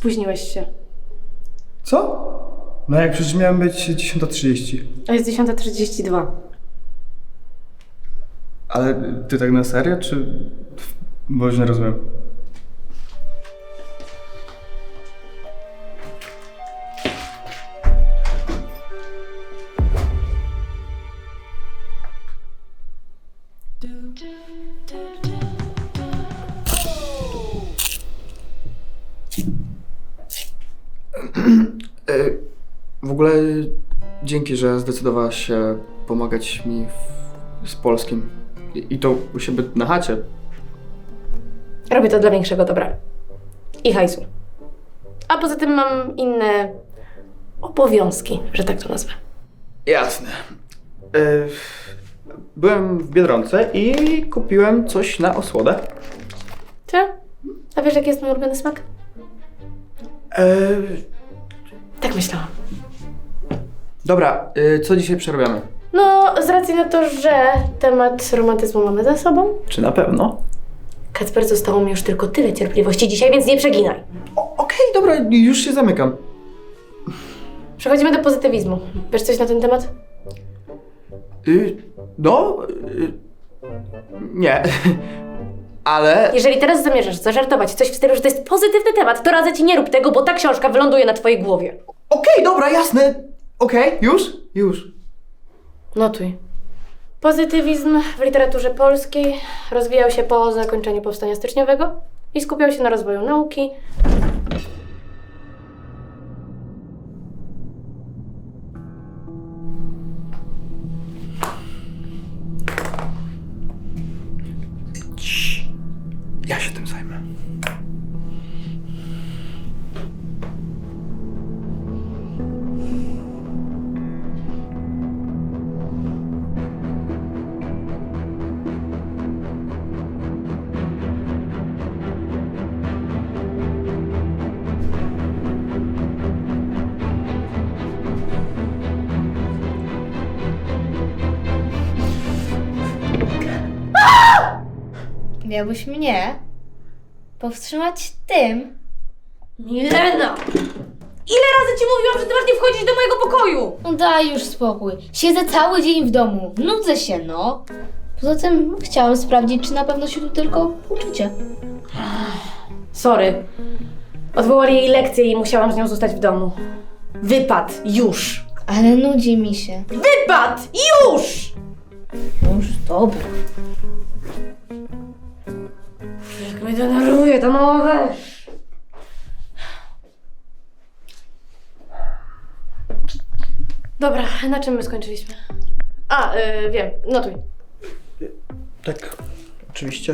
Spóźniłeś się. Co? No jak przecież miałem być 10:30. A jest 10:32. Ale ty tak na serio, czy... Bo już nie rozumiem. W ogóle dzięki, że zdecydowałaś się pomagać mi z polskim. I to u siebie na chacie. Robię to dla większego dobra. I hajsu. A poza tym mam inne obowiązki, że tak to nazwę. Jasne. Byłem w Biedronce i kupiłem coś na osłodę. Czy? A wiesz, jaki jest mój ulubiony smak? Tak myślałam. Dobra, co dzisiaj przerabiamy? No, z racji na to, że temat romantyzmu mamy za sobą, Czy na pewno? Kacper, zostało mi już tylko tyle cierpliwości dzisiaj, więc nie przeginaj. Okej, dobra, już się zamykam. Przechodzimy do pozytywizmu. Wiesz coś na ten temat? Nie. Ale... Jeżeli teraz zamierzasz zażartować coś w stylu, że to jest pozytywny temat, to radzę ci nie rób tego, bo ta książka wyląduje na twojej głowie. Okej, dobra, jasne. Okej, już. Notuj. Pozytywizm w literaturze polskiej rozwijał się po zakończeniu Powstania Styczniowego i skupiał się na rozwoju nauki, Ja się tym zajmę. Miałbyś mnie powstrzymać tym. Milena! Ile razy ci mówiłam, że ty masz nie wchodzić do mojego pokoju? No daj już spokój. Siedzę cały dzień w domu. Nudzę się, no. Poza tym chciałam sprawdzić, czy na pewno się tu tylko uczycie. Sorry. Odwołali jej lekcję i musiałam z nią zostać w domu. Wypad! Już! Ale nudzi mi się. Wypad! Już! No już dobra. Jak mnie denerwuje ta mała weź. Dobra, na czym my skończyliśmy? Wiem, notuj. Tak, oczywiście.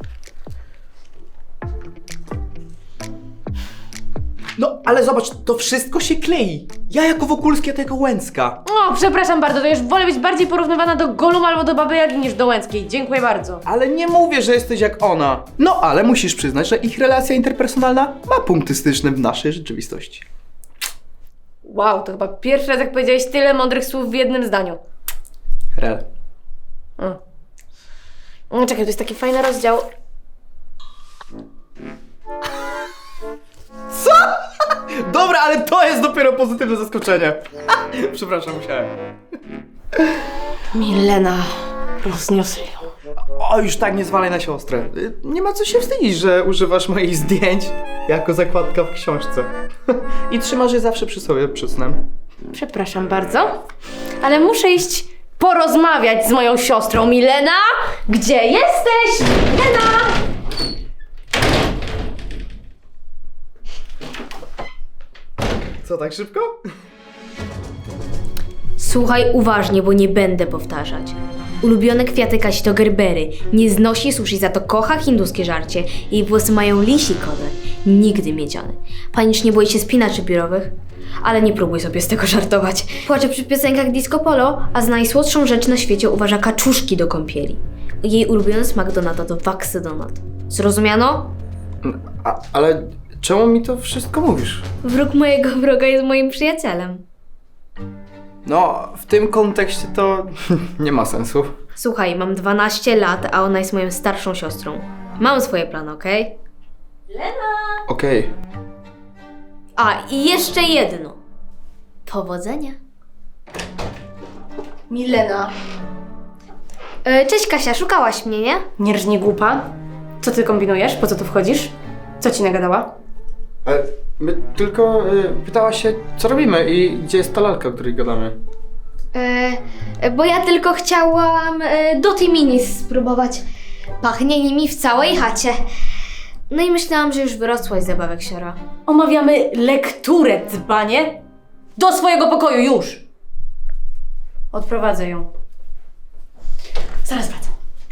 No, ale zobacz, to wszystko się klei. Ja jako Wokulski, a ty jako Łęcka. O, przepraszam bardzo, to już wolę być bardziej porównywana do Golum albo do Baby Jagi niż do Łęckiej. Dziękuję bardzo. Ale nie mówię, że jesteś jak ona. No, ale musisz przyznać, że ich relacja interpersonalna ma punkty styczne w naszej rzeczywistości. Wow, to chyba pierwszy raz, jak powiedziałeś tyle mądrych słów w jednym zdaniu. Rel. No, czekaj, to jest taki fajny rozdział. Dobra, ale to jest dopiero pozytywne zaskoczenie. Przepraszam, musiałem. Milena, rozniosę ją. O, już tak nie zwalaj na siostrę. Nie ma co się wstydzić, że używasz moich zdjęć jako zakładka w książce. I trzymasz je zawsze przy sobie przed snem. Przepraszam bardzo, ale muszę iść porozmawiać z moją siostrą. Milena, gdzie jesteś? Milena! Co, tak szybko? Słuchaj uważnie, bo nie będę powtarzać. Ulubione kwiaty Kasi to gerbery. Nie znosi sushi, za to kocha hinduskie żarcie. Jej włosy mają lisi kolor. Nigdy miedziany. Panicznie boi się spinaczy biurowych. Ale nie próbuj sobie z tego żartować. Płacze przy piosenkach disco polo, a za najsłodszą rzecz na świecie uważa kaczuszki do kąpieli. Jej ulubiony smak donata to waksy donat. Zrozumiano? Ale czemu mi to wszystko mówisz? Wróg mojego wroga jest moim przyjacielem. No, w tym kontekście to nie ma sensu. Słuchaj, mam 12 lat, a ona jest moją starszą siostrą. Mam swoje plany, okej? Okej. A, i jeszcze jedno. Powodzenia. Milena. Cześć Kasia, szukałaś mnie, nie? Nie rżnij głupa. Co ty kombinujesz? Po co tu wchodzisz? Co ci nagadała? My tylko pytałaś się, co robimy i gdzie jest ta lalka, o której gadamy. Bo ja tylko chciałam do tej mini spróbować. Pachnie nimi w całej chacie. No i myślałam, że już wyrosłaś z zabawek siora. Omawiamy lekturę, dzbanie. Do swojego pokoju, już! Odprowadzę ją. Zaraz wracam.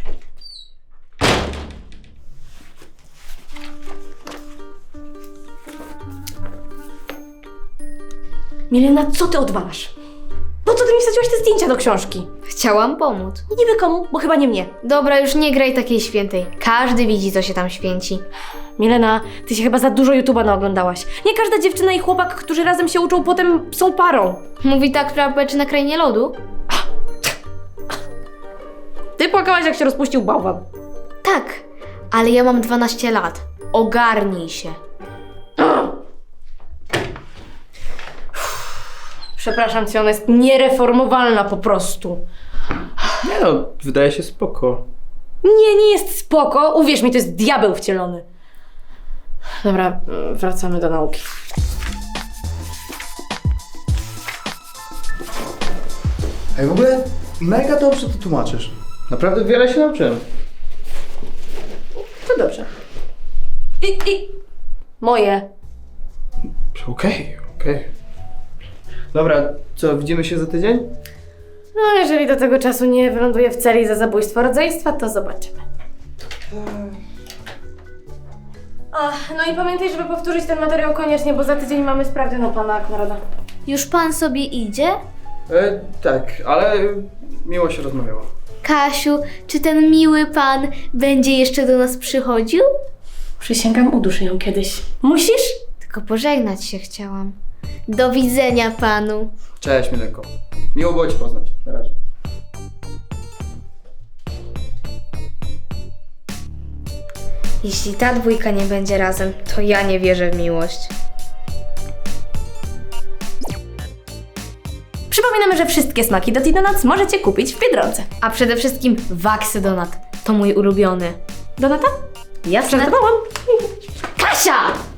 Milena, co ty odwalasz? Po co ty mi wsadziłaś te zdjęcia do książki? Chciałam pomóc. Niby komu, bo chyba nie mnie. Dobra, już nie graj takiej świętej. Każdy widzi, co się tam święci. Milena, ty się chyba za dużo YouTube'a naoglądałaś. Nie każda dziewczyna i chłopak, którzy razem się uczą, potem są parą. Mówi tak prawda, czy na krainie lodu? Ty płakałaś, jak się rozpuścił bałwan. Tak, ale ja mam 12 lat. Ogarnij się. Przepraszam cię, ona jest niereformowalna po prostu. Nie no, wydaje się spoko. Nie jest spoko. Uwierz mi, to jest diabeł wcielony. Dobra, wracamy do nauki. Ej, w ogóle mega dobrze to tłumaczysz. Naprawdę wiele się nauczyłem. To dobrze. Moje. Okej. Dobra, co, widzimy się za tydzień? No, jeżeli do tego czasu nie wyląduję w celi za zabójstwo rodzeństwa, to zobaczymy. No i pamiętaj, żeby powtórzyć ten materiał koniecznie, bo za tydzień mamy sprawdzian u pana Konrada. Już pan sobie idzie? Tak, ale miło się rozmawiało. Kasiu, czy ten miły pan będzie jeszcze do nas przychodził? Przysięgam, uduszę ją kiedyś. Musisz? Tylko pożegnać się chciałam. Do widzenia panu. Cześć, Milenko. Miło było cię poznać. Na razie. Jeśli ta dwójka nie będzie razem, to ja nie wierzę w miłość. Przypominamy, że wszystkie smaki Doty Donuts możecie kupić w Biedronce. A przede wszystkim Waxy Donat. To mój ulubiony. Donata? Jasne. Żartowałam. Kasia!